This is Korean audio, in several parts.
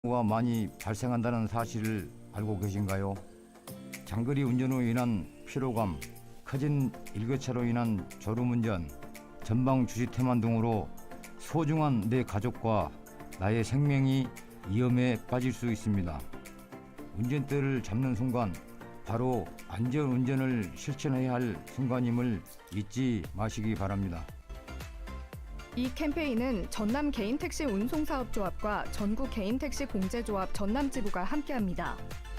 가 많이 발생한다는 사실을 알고 계신가요? 장거리 운전으로 인한 피로감, 커진 일교차로 인한 졸음운전, 전방 주시태만 등으로 소중한 내 가족과 나의 생명이 위험에 빠질 수 있습니다. 운전대를 잡는 순간 바로 안전운전을 실천해야 할 순간임을 잊지 마시기 바랍니다. 이 캠페인은 전남 개인택시 운송사업조합과 전국 개인택시 공제조합 전남지부가 함께합니다.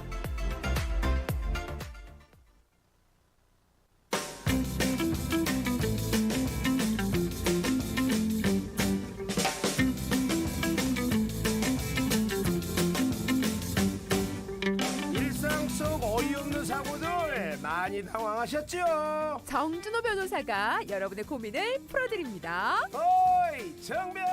일상 속 어이없는 사고들 많이 당황하셨죠? 정준호 변호사가 여러분의 고민을 풀어드립니다. 어이 정변!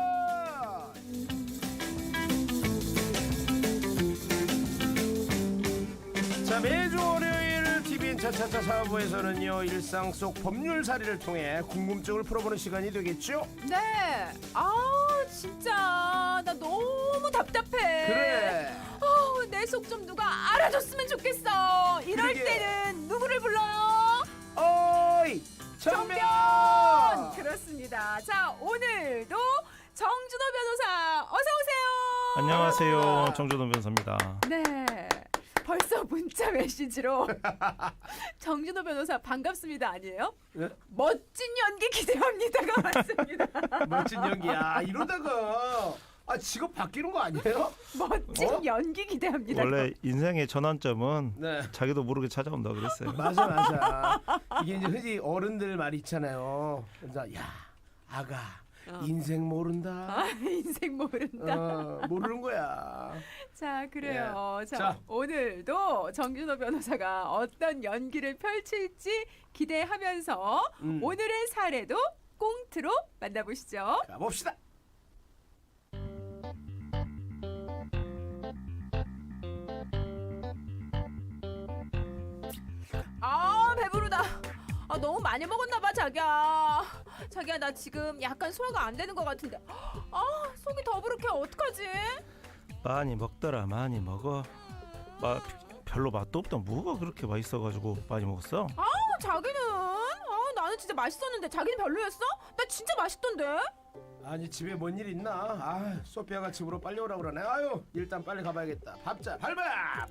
자, 매주 월요일 TVN 차차차 사부에서는요 일상 속 법률사리를 통해 궁금증을 풀어보는 시간이 되겠죠? 네. 진짜 나 너무 답답해. 그래. 내 속 좀 누가 알아줬으면 좋겠어. 이럴 그러게. 때는 누구를 불러요? 어이 정변! 그렇습니다. 자, 오늘도 정준호 변호사 어서 오세요. 안녕하세요. 정준호 변호사입니다. 네. 벌써 문자 메시지로 정준호 변호사 반갑습니다 아니에요? 네? 멋진 연기 기대합니다가 왔습니다. 멋진 연기야. 이러다가 직업 바뀌는 거 아니에요? 멋진 연기 기대합니다. 원래 인생의 전환점은 네. 자기도 모르게 찾아온다 그랬어요. 맞아. 이게 이제 흔히 어른들 말이 있잖아요. 그래서 야 아가 인생 모른다. 인생 모른다. 모르는 거야. 자, 그래요. 자, 자. 오늘도 정준호 변호사가 어떤 연기를 펼칠지 기대하면서 오늘의 사례도 꽁트로 만나보시죠. 가봅시다. 배부르다. 너무 많이 먹었나 봐, 자기야. 자기야, 나 지금 약간 소화가 안 되는 것 같은데. 속이 더부룩해. 어떡하지? 많이 먹더라. 많이 먹어. 별로 맛도 없다. 뭐가 그렇게 맛있어가지고 많이 먹었어? 자기는 나는 진짜 맛있었는데 자기는 별로였어? 나 진짜 맛있던데. 아니 집에 뭔 일 있나? 소피아가 집으로 빨리 오라고 그러네. 일단 빨리 가봐야겠다. 밥자 밟아.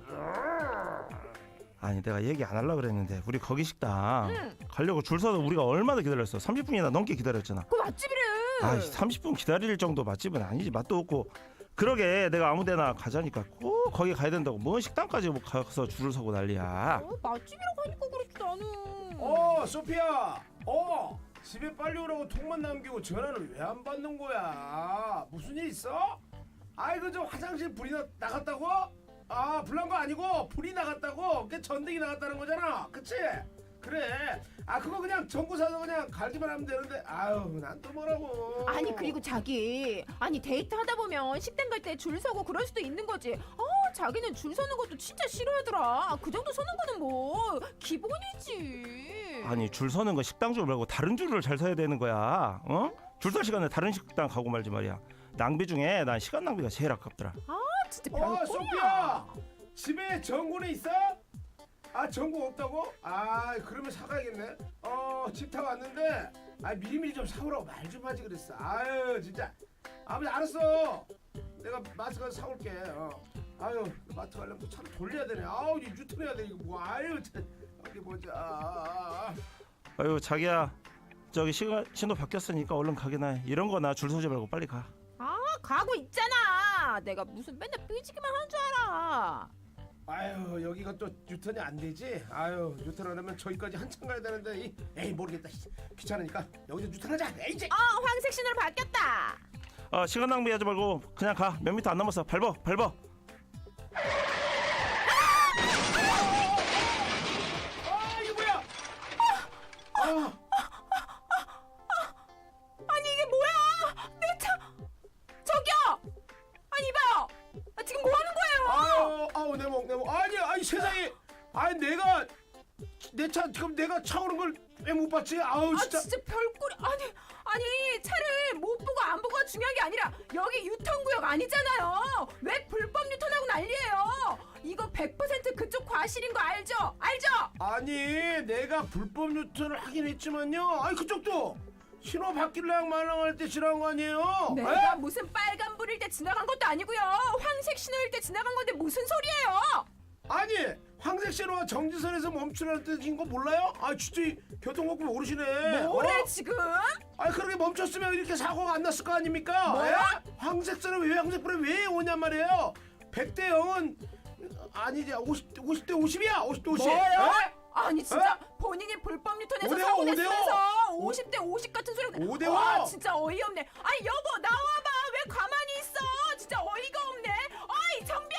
아니 내가 얘기 안 하려고 그랬는데 우리 거기 식당 가려고 줄 서서 우리가 얼마나 기다렸어? 30분이나 넘게 기다렸잖아. 그 맛집이래. 30분 기다릴 정도 맛집은 아니지. 맛도 없고. 그러게 내가 아무데나 가자니까 꼭 거기 가야 된다고 뭔 식당까지 뭐 가서 줄을 서고 난리야. 맛집이라고 하니까 그렇지 나는. 소피아. 집에 빨리 오라고 통만 남기고 전화를 왜 안 받는 거야? 무슨 일 있어? 저 화장실 불이 나갔다고? 불난 거 아니고 불이 나갔다고? 그 전등이 나갔다는 거잖아. 그치? 그래. 그거 그냥 전구 사서 그냥 갈기만 하면 되는데. 난 또 뭐라고. 아니 그리고 자기 데이트 하다 보면 식당 갈 때 줄 서고 그럴 수도 있는 거지. 자기는 줄 서는 것도 진짜 싫어하더라. 그 정도 서는 거는 뭐 기본이지. 아니 줄 서는 거 식당 줄 말고 다른 줄을 잘 서야 되는 거야. 줄 설 시간에 다른 식당 가고 말지 말이야. 낭비 중에 난 시간 낭비가 제일 아깝더라. 진짜 별꼴이야. 소피아. 집에 전구는 있어? 전구 없다고? 그러면 사가야겠네. 집 타고 왔는데 미리미리 좀 사오라고 말 좀 하지 그랬어. 진짜. 알았어. 내가 마트 가서 사올게. 마트 가려면 또 차를 돌려야 되네. 이 유턴해야 돼 이거 뭐. 참. 어디 보자. 자기야 저기 신호 바뀌었으니까 얼른 가게나 해. 이런 거나 줄 서지 말고 빨리 가. 가고 있잖아. 내가 무슨 맨날 삐지기만 하는 줄 알아. 여기가 또 유턴이 안 되지? 유턴하려면 저기까지 한참 가야 되는데 모르겠다. 귀찮으니까 여기서 유턴하자. 황색 신호로 바뀌었다. 시간 낭비하지 말고 그냥 가. 몇 미터 안 남았어. 밟어. 이게 뭐야? 아니 이게 뭐야? 내 차. 저기요. 이봐요. 지금 뭐 하는 거예요? 내 목. 아니 세상에. 내 차 지금 내가 차 오는 걸 왜 못 봤지? 진짜. 진짜 별꼴이. 아니 차를 못 보고 안 보고 중요한 게 아니라 여기 유턴구역 아니잖아요. 왜 불법 유턴하고 난리예요? 이거 100% 그쪽 과실인 거 알죠? 알죠? 아니 내가 불법 유턴을 하긴 했지만요. 아니 그쪽도 신호 바뀔랑 말랑할 때 지나간 거 아니에요? 내가 에? 무슨 빨간불일 때 지나간 것도 아니고요. 황색 신호일 때 지나간 건데 무슨 소리예요? 아니 황색 신호가 정지선에서 멈추라는 뜻인 거 몰라요? 아 진짜 이 교통법규 모르시네. 뭐래 지금? 아니 그렇게 멈췄으면 이렇게 사고가 안 났을 거 아닙니까? 뭐야? 에? 황색선은 왜 황색불에 왜 오냔 말이에요. 100대 0은 아니지 50대 50이야. 50대 50. 뭐요? 에? 아니 진짜 본인이 불법 유턴해서 5대5, 사고 5대5. 냈으면서 50대 50 같은 소리. 5대5. 와 진짜 어이없네. 아니 여보 나와봐. 왜 가만히 있어? 진짜 어이가 없네. 어이 정변.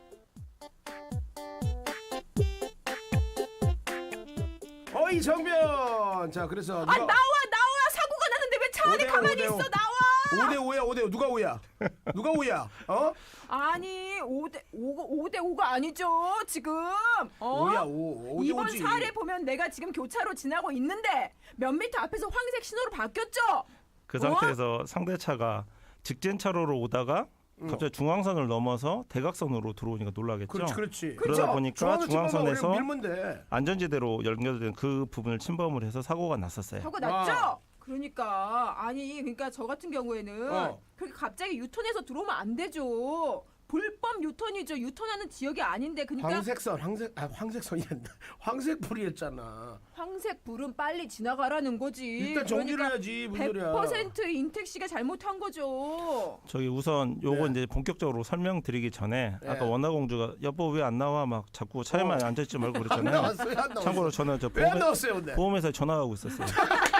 어이 정변. 자 그래서 아 나와 사고가 났는데 왜 차 안에 5대5, 가만히 5대5. 있어 나와. 5대 5야 5대 5 누가 5야? 누가 5야? 어? 아니 5대5가 아니죠 지금. 5야 5. 5대 이번 5지. 사례 보면 내가 지금 교차로 지나고 있는데 몇 미터 앞에서 황색 신호로 바뀌었죠? 그 상태에서 상대 차가 직진 차로로 오다가 갑자기 중앙선을 넘어서 대각선으로 들어오니까 놀라겠죠. 그렇지 그렇지. 그러다 보니까 중앙선 중앙선에서 밀면 돼. 안전지대로 연결된 그 부분을 침범을 해서 사고가 났었어요. 사고 났죠? 그러니까 저 같은 경우에는 어. 그렇게 갑자기 유턴해서 들어오면 안 되죠. 불법 유턴이죠. 유턴하는 지역이 아닌데 그러니까 황색선이란다. 황색불이었잖아. 황색 불은 빨리 지나가라는 거지. 일단 정지를 그러니까 해야지 무슨 소리야. 100% 인택시가 잘못한 거죠. 저기 우선 요거 네. 이제 본격적으로 설명드리기 전에 네. 아까 원나공주가 여보 왜 안 나와 막 자꾸 차에만 앉아있지 말고 안 그랬잖아요. 나왔어요 안 나왔어요. 참고로 저는 저 왜 안 나왔어요 근데? 보험회사에 전화하고 있었어요.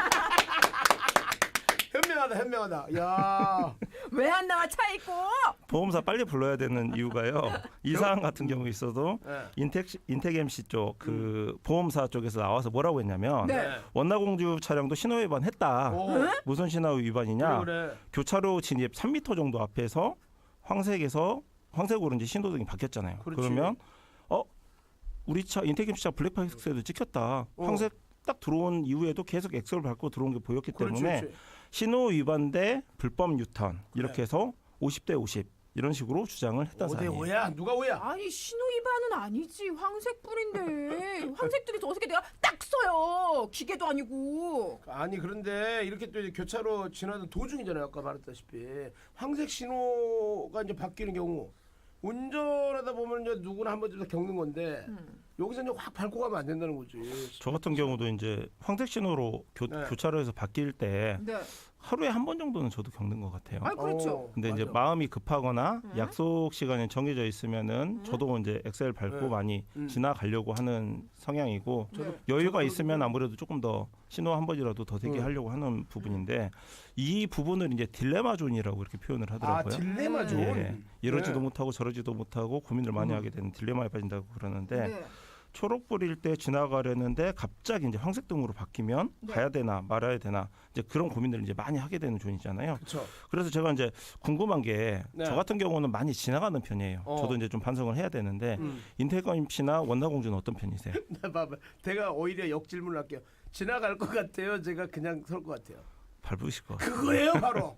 현명하다. 야. 왜 안 나와 차 있고? 보험사 빨리 불러야 되는 이유가요. 이 사안 같은 경우 있어도 네. 인텍 MC 쪽 그 보험사 쪽에서 나와서 뭐라고 했냐면 네. 원나공주 차량도 신호 위반했다. 오. 무슨 신호 위반이냐? 그래. 교차로 진입 3m 정도 앞에서 황색에서 황색으로 이제 신호등이 바뀌었잖아요. 그렇지. 그러면 우리 차 인텍 MC차 블랙박스에도 찍혔다. 황색 딱 들어온 이후에도 계속 엑셀을 밟고 들어온 게 보였기 때문에 그렇지. 신호 위반 대 불법 유턴 이렇게 해서 50대 50 이런 식으로 주장을 했던 5대 사안이에요. 5야. 누가 5야? 아니 신호 위반은 아니지. 황색 불인데 황색들이 어떻게 내가 딱 써요. 기계도 아니고. 아니 그런데 이렇게 또 이제 교차로 지나던 도중이잖아요. 아까 말했다시피 황색 신호가 이제 바뀌는 경우 운전하다 보면 이제 누구나 한 번쯤 겪는 건데 여기서 이제 확 밟고 가면 안 된다는 거지. 저 같은 경우도 이제 황색 신호로 네. 교차로에서 바뀔 때 네. 하루에 한 번 정도는 저도 겪는 것 같아요. 아 그렇죠. 근데 이제 맞아. 마음이 급하거나 약속 시간이 정해져 있으면은 저도 이제 엑셀 밟고 네. 많이 지나가려고 하는 성향이고 네. 여유가 있으면 아무래도 조금 더 신호 한 번이라도 더 되게 하려고 하는 부분인데 이 부분을 이제 딜레마 존이라고 이렇게 표현을 아 하더라고요. 딜레마 존. 예, 이러지도 네. 못하고 저러지도 못하고 고민을 많이 하게 되는 딜레마에 빠진다고 그러는데 네. 초록불일 때 지나가려는데 갑자기 이제 황색등으로 바뀌면 네. 가야 되나 말아야 되나 이제 그런 고민들을 이제 많이 하게 되는 존이잖아요. 그렇죠. 그래서 제가 이제 궁금한 게 저 네. 같은 경우는 많이 지나가는 편이에요. 저도 이제 좀 반성을 해야 되는데 인태검 씨나 원나공주는 어떤 편이세요? 나 봐봐. 내가 오히려 역질문을 할게요. 지나갈 것 같아요. 제가 그냥 설 것 같아요. 밟으실 것 같아요. 그거예요 바로.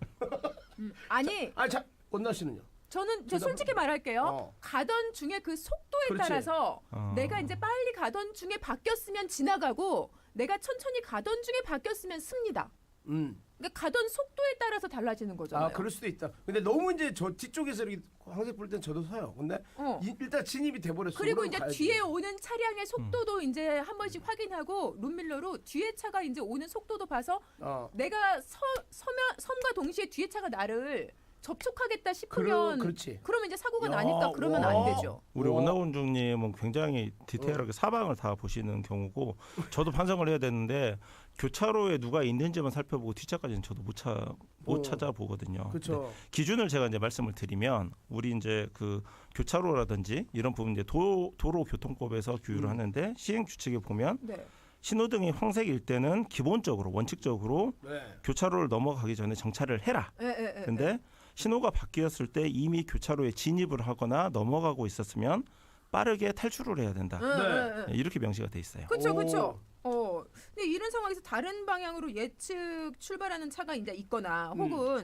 아니 아자 원나 씨는요? 저는 저 솔직히 말할게요. 어. 가던 중에 그 속도에 그렇지. 따라서 어. 내가 이제 빨리 가던 중에 바뀌었으면 지나가고 내가 천천히 가던 중에 바뀌었으면 씁니다. 그러니까 가던 속도에 따라서 달라지는 거잖아요. 아 그럴 수도 있다. 근데 너무 이제 저 뒤쪽에서 이렇게 황색 불 땐 저도 서요. 근데 일단 진입이 돼버렸어. 그리고 그럼 이제 가야지. 뒤에 오는 차량의 속도도 이제 한 번씩 확인하고 룸밀러로 뒤에 차가 이제 오는 속도도 봐서 내가 섬과 동시에 뒤에 차가 나를 접촉하겠다 싶으면 그렇지. 그러면 이제 사고가 야, 나니까 그러면 와. 안 되죠. 우리 와. 원나공주님은 굉장히 디테일하게 사방을 다 보시는 경우고 저도 반성을 해야 되는데 교차로에 누가 있는지만 살펴보고 뒷차까지는 저도 못 찾아보거든요. 그렇죠. 기준을 제가 이제 말씀을 드리면 우리 이제 그 교차로라든지 이런 부분 이제 도로교통법에서 규율을 하는데 시행 규칙에 보면 네. 신호등이 황색일 때는 기본적으로 원칙적으로 네. 교차로를 넘어가기 전에 정차를 해라. 근데 신호가 바뀌었을 때 이미 교차로에 진입을 하거나 넘어가고 있었으면 빠르게 탈출을 해야 된다. 네. 이렇게 명시가 돼 있어요. 그렇죠, 오. 그렇죠. 근데 이런 상황에서 다른 방향으로 예측 출발하는 차가 이제 있거나 혹은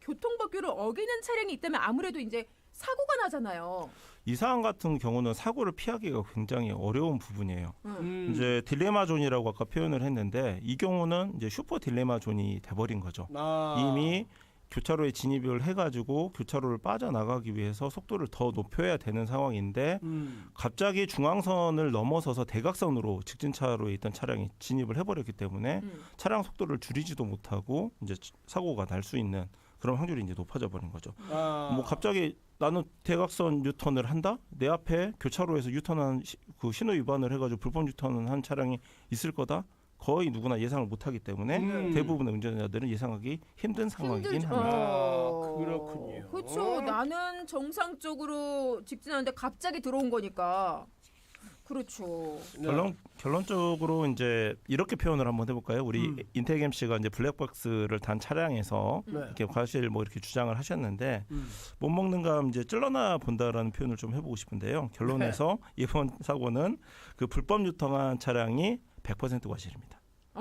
교통법규를 어기는 차량이 있다면 아무래도 이제 사고가 나잖아요. 이 사안 같은 경우는 사고를 피하기가 굉장히 어려운 부분이에요. 이제 딜레마 존이라고 아까 표현을 했는데 이 경우는 이제 슈퍼 딜레마 존이 돼버린 거죠. 이미 교차로에 진입을 해가지고 교차로를 빠져나가기 위해서 속도를 더 높여야 되는 상황인데 갑자기 중앙선을 넘어서서 대각선으로 직진차로에 있던 차량이 진입을 해버렸기 때문에 차량 속도를 줄이지도 못하고 이제 사고가 날 수 있는 그런 확률이 이제 높아져 버린 거죠. 뭐 갑자기 나는 대각선 유턴을 한다? 내 앞에 교차로에서 유턴한 그 신호 위반을 해가지고 불법 유턴을 한 차량이 있을 거다? 거의 누구나 예상을 못하기 때문에 대부분의 운전자들은 예상하기 힘든 상황이긴 합니다. 그렇군요. 그렇죠. 나는 정상적으로 직진하는데 갑자기 들어온 거니까. 그렇죠. 결론적으로 이제 이렇게 표현을 한번 해볼까요? 우리 인태겸 씨가 이제 블랙박스를 단 차량에서 이렇게 과실 뭐 이렇게 주장을 하셨는데 못 먹는 감 이제 찔러나 본다라는 표현을 좀 해보고 싶은데요. 결론에서 이번 사고는 그 불법 유턴한 차량이 100% 과실입니다.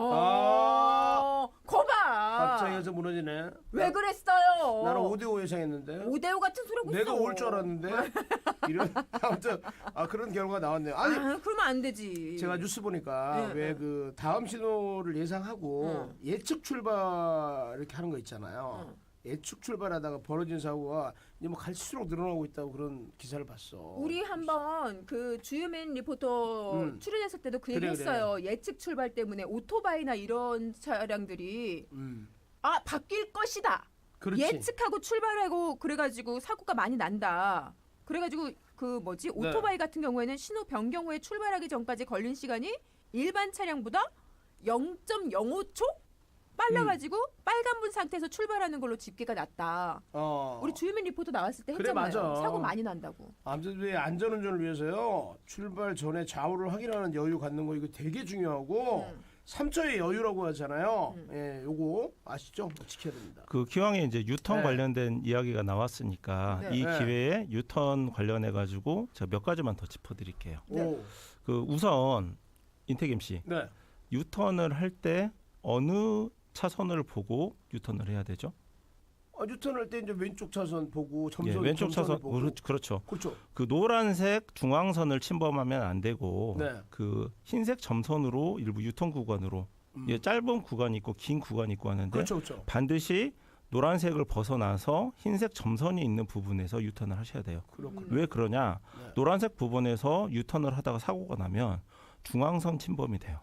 거봐. 갑자기 해서 무너지네. 왜 그랬어요? 나는 5대5 예상했는데. 5대5 같은 소리 하고 있어. 내가 올 줄 알았는데. 이런 아무튼 그런 결과가 나왔네요. 아니 그러면 안 되지. 제가 뉴스 보니까 왜 그 다음 신호를 예상하고 예측 출발 이렇게 하는 거 있잖아요. 예측 출발하다가 벌어진 사고가 이제 뭐 갈수록 늘어나고 있다고 그런 기사를 봤어. 우리 한번 그 주유맨 리포터 출연했을 때도 그 얘기했어요. 예측 출발 때문에 오토바이나 이런 차량들이 바뀔 것이다. 그렇지. 예측하고 출발하고 그래가지고 사고가 많이 난다. 그래가지고 그 뭐지 오토바이 같은 경우에는 신호 변경 후에 출발하기 전까지 걸린 시간이 일반 차량보다 0.05초 빨라가지고 빨간불 상태에서 출발하는 걸로 집계가 났다. 우리 주유민 리포터 나왔을 때 그래, 했잖아요. 맞아. 사고 많이 난다고. 아무튼 왜 안전운전을 위해서요. 출발 전에 좌우를 확인하는 여유 갖는 거 이거 되게 중요하고 3초의 여유라고 하잖아요. 예, 요거 아시죠? 지켜야 됩니다. 그 기왕에 이제 유턴 네. 관련된 이야기가 나왔으니까 네. 이 네. 기회에 유턴 관련해 가지고 제가 몇 가지만 더 짚어드릴게요. 오. 그 우선 인태김 씨 네. 유턴을 할 때 어느 차선을 보고 유턴을 해야 되죠? 유턴할 때 이제 왼쪽 차선 보고 예, 왼쪽 차선 보고. 그렇죠. 그렇죠. 그 노란색 중앙선을 침범하면 안 되고 네. 그 흰색 점선으로 일부 유턴 구간으로 예, 짧은 구간이 있고 긴 구간이 있고 하는데 그렇죠, 그렇죠. 반드시 노란색을 벗어나서 흰색 점선이 있는 부분에서 유턴을 하셔야 돼요. 그렇군요. 왜 그러냐? 네. 노란색 부분에서 유턴을 하다가 사고가 나면 중앙선 침범이 돼요.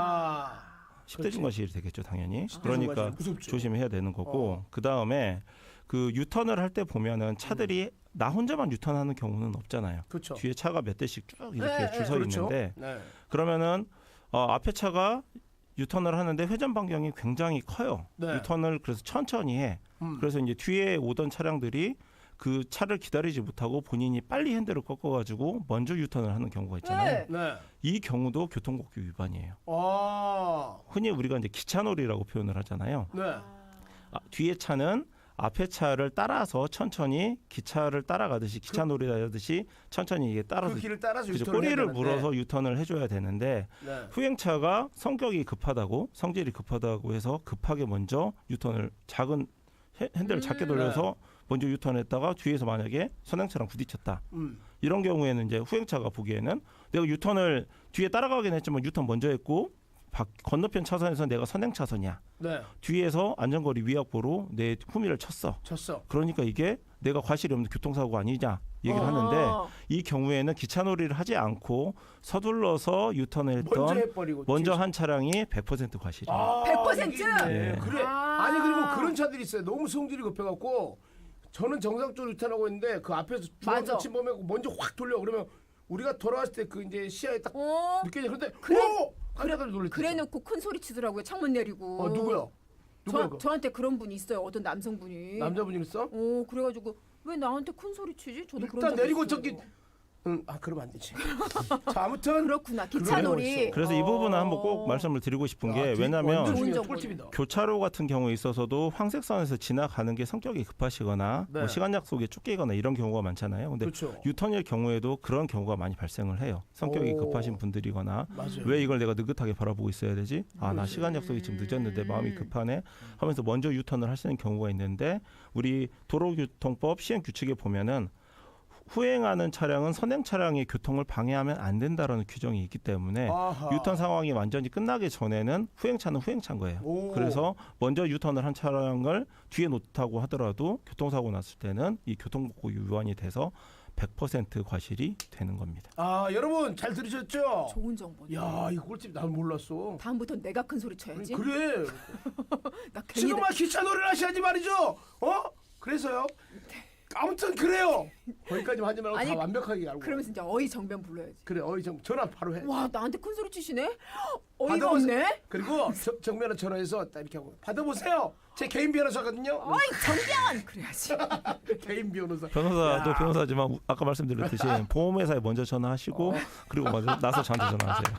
10대 중과실이 되겠죠, 당연히. 그러니까 무섭죠. 조심해야 되는 거고 그 다음에 그 유턴을 할 때 보면은 차들이 나 혼자만 유턴하는 경우는 없잖아요. 그렇죠. 뒤에 차가 몇 대씩 쭉 이렇게 네, 줄 서 그렇죠. 있는데 네. 그러면은 앞에 차가 유턴을 하는데 회전 반경이 굉장히 커요. 네. 유턴을 그래서 천천히 해. 그래서 이제 뒤에 오던 차량들이 그 차를 기다리지 못하고 본인이 빨리 핸들을 꺾어가지고 먼저 유턴을 하는 경우가 있잖아요. 네. 이 경우도 교통법규 위반이에요. 아. 흔히 우리가 이제 기차놀이라고 표현을 하잖아요. 네. 뒤에 차는 앞에 차를 따라서 천천히 기차를 따라가듯이 기차놀이 하듯이 천천히 이게 따라서 그 길을 따라서 그죠, 유턴을 꼬리를 해야 되는데. 물어서 유턴을 해줘야 되는데 네. 후행차가 성격이 급하다고 성질이 급하다고 해서 급하게 먼저 유턴을 작은 핸들을 작게 돌려서 먼저 유턴했다가 뒤에서 만약에 선행차랑 부딪혔다. 이런 경우에는 이제 후행차가 보기에는 내가 유턴을 뒤에 따라가긴 했지만 유턴 먼저 했고 건너편 차선에서 내가 선행 차선이야. 네. 뒤에서 안전거리 위약보로 내 후미를 쳤어. 그러니까 이게 내가 과실이 없는 교통사고가 아니냐 얘기를 하는데 이 경우에는 기차놀이를 하지 않고 서둘러서 유턴을 했던 먼저 한 차량이 100% 과실이에요. 100%? 예. 그래. 아니 그리고 그런 차들이 있어요. 너무 성질이 급해갖고 저는 정상적으로 유턴하고 있는데 그 앞에서 중앙선 침범하고 먼저 확 돌려. 그러면 우리가 돌아왔을 때 그 이제 시야에 딱 느껴져. 그런데 그래가 놀랬죠. 그래놓고 큰 소리 치더라고요. 창문 내리고. 누구야? 저한테 그런 분이 있어요. 어떤 남성분이. 남자분이 있어? 그래가지고 왜 나한테 큰 소리 치지? 저도 그런 일단 적 내리고 있어요. 저기 그러면 안 되지. 자, 아무튼 그렇구나. 기차놀이. 그래서 이 부분은 한번 꼭 말씀을 드리고 싶은 게 완전 왜냐하면 중요한 꿀팁이다. 교차로 같은 경우에 있어서도 황색선에서 지나가는 게 성격이 급하시거나 네. 뭐 시간 약속에 쫓기거나 이런 경우가 많잖아요. 근데 그렇죠. 유턴일 경우에도 그런 경우가 많이 발생을 해요. 성격이 오. 급하신 분들이거나 맞아요. 왜 이걸 내가 느긋하게 바라보고 있어야 되지? 나 시간 약속이 지금 늦었는데 마음이 급하네 하면서 먼저 유턴을 하시는 경우가 있는데 우리 도로교통법 시행 규칙에 보면은 후행하는 차량은 선행 차량의 교통을 방해하면 안 된다라는 규정이 있기 때문에 아하. 유턴 상황이 완전히 끝나기 전에는 후행차는 후행차인 거예요. 오. 그래서 먼저 유턴을 한 차량을 뒤에 놓다고 하더라도 교통사고 났을 때는 이 교통복구 위반이 돼서 100% 과실이 되는 겁니다. 여러분 잘 들으셨죠? 좋은 정보. 야, 이 꿀팁 난 몰랐어. 다음부터 내가 큰 소리 쳐야지. 그래. 나 괜히 지금 막 기차놀이를 하셔야지 말이죠. 그래서요. 아무튼 그래요. 거기까지만 하지 말고 아니, 다 완벽하게 알고. 그러면서 이제 어이 정변 불러야지. 그래, 전화 바로 해. 와, 나한테 큰 소리 치시네? 어이가 받아보세요. 없네. 그리고 정면에 전화해서 딱 이렇게 하고 받아보세요. 제 개인 변호사거든요. 어이, 정변! 그래야지. 개인 변호사. 변호사도 야. 변호사지만 아까 말씀드렸듯이 보험회사에 먼저 전화하시고 그리고 먼저 나서 저한테 전화하세요.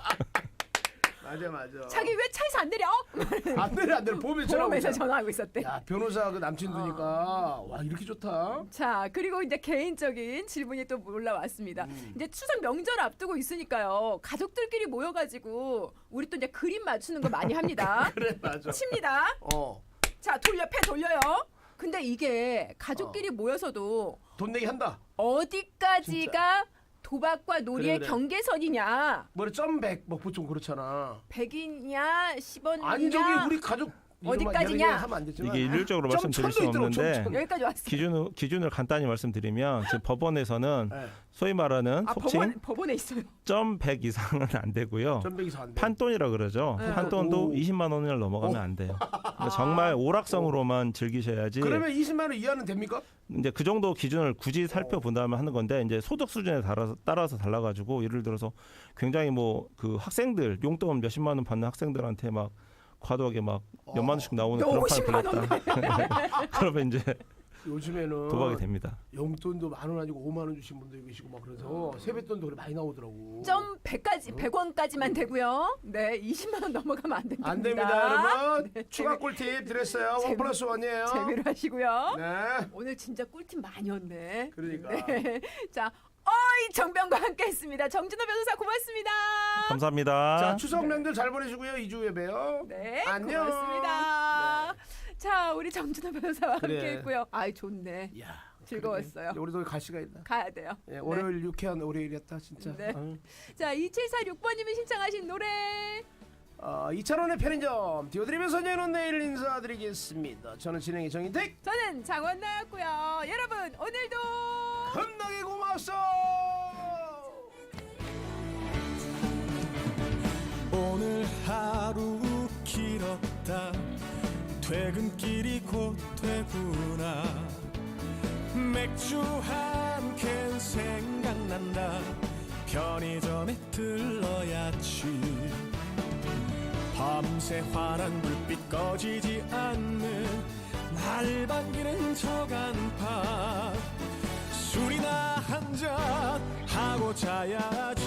맞아. 자기 왜 차에서 안 내려? 안 돼. 보험회사 전화하고 있었대. 야, 변호사 그 남친 두니까 와, 이렇게 좋다. 자, 그리고 이제 개인적인 질문이 또 올라왔습니다. 이제 추석 명절 앞두고 있으니까요. 가족들끼리 모여가지고 우리 또 이제 그림 맞추는 거 많이 합니다. 그래, 맞아. 칩니다. 자, 패 돌려요. 근데 이게 가족끼리 모여서도 돈 내기 한다. 어디까지가 도박과 놀이의 그래. 경계선이냐? 뭐래 점백 뭐 보통 그렇잖아. 100이냐 10원이냐? 아니 저기 우리 가족 어디까지냐? 하면 안 되지만. 이게 일률적으로 점 말씀드릴 수 천도 있더라고, 없는데 점. 여기까지 왔어요. 기준을 간단히 말씀드리면 지금 법원에서는 네. 소위 말하는 속칭 법원에 있어요. 점 100 이상은 안 되고요. 점백 이상 안 돼. 판돈이라 그러죠. 네. 판돈도 오. 20만 원을 넘어가면 안 돼요. 그러니까 정말 오락성으로만 즐기셔야지. 그러면 20만 원 이하는 됩니까? 이제 그 정도 기준을 굳이 살펴본다면 하는 건데 이제 소득 수준에 따라서 달라가지고 예를 들어서 굉장히 뭐 그 학생들 용돈 몇십만 원 받는 학생들한테 막 과도하게 막 몇만 원씩 나오는 그런 판을 50만 불렀다. 그러면 이제 요즘에는 도박이 됩니다. 용돈도 10,000원 아니고 5만 원 주신 분도 계시고 막 그래서 세뱃돈도 그래 많이 나오더라고. 점 100원까지만 되고요. 네, 20만 원 넘어가면 안 됩니다. 안 됩니다, 여러분. 네, 추가 꿀팁 드렸어요. 원 플러스 원이에요. 재미로 하시고요. 네. 오늘 진짜 꿀팁 많이 었네. 그러니까. 네. 자, 어이 정변과 함께했습니다. 정준호 변호사 고맙습니다. 감사합니다. 자, 추석 명절 잘 보내시고요. 2주 후에 봬요. 네, 안녕. 고맙습니다. 자, 우리 정준호 변호사와 그래. 함께했고요. 아이 좋네. 야, 즐거웠어요. 그러네. 우리도 갈 시간 있다. 가야 돼요. 예, 월요일 유쾌한 월요일이었다 진짜. 네. 아유. 자, 2746번님이 신청하신 노래. 2,000원의 편의점 띄워드리면서 저는 내일 인사드리겠습니다. 저는 진행의 정인택. 저는 장원나였고요. 여러분 오늘도 겁나게 고마웠어. 오늘 하루 길었다 퇴근길이 곧 되구나 맥주 한 캔 생각난다 편의점에 들러야지 밤새 환한 불빛 꺼지지 않는 날 반기는 저 간판 술이나 한잔 하고 자야지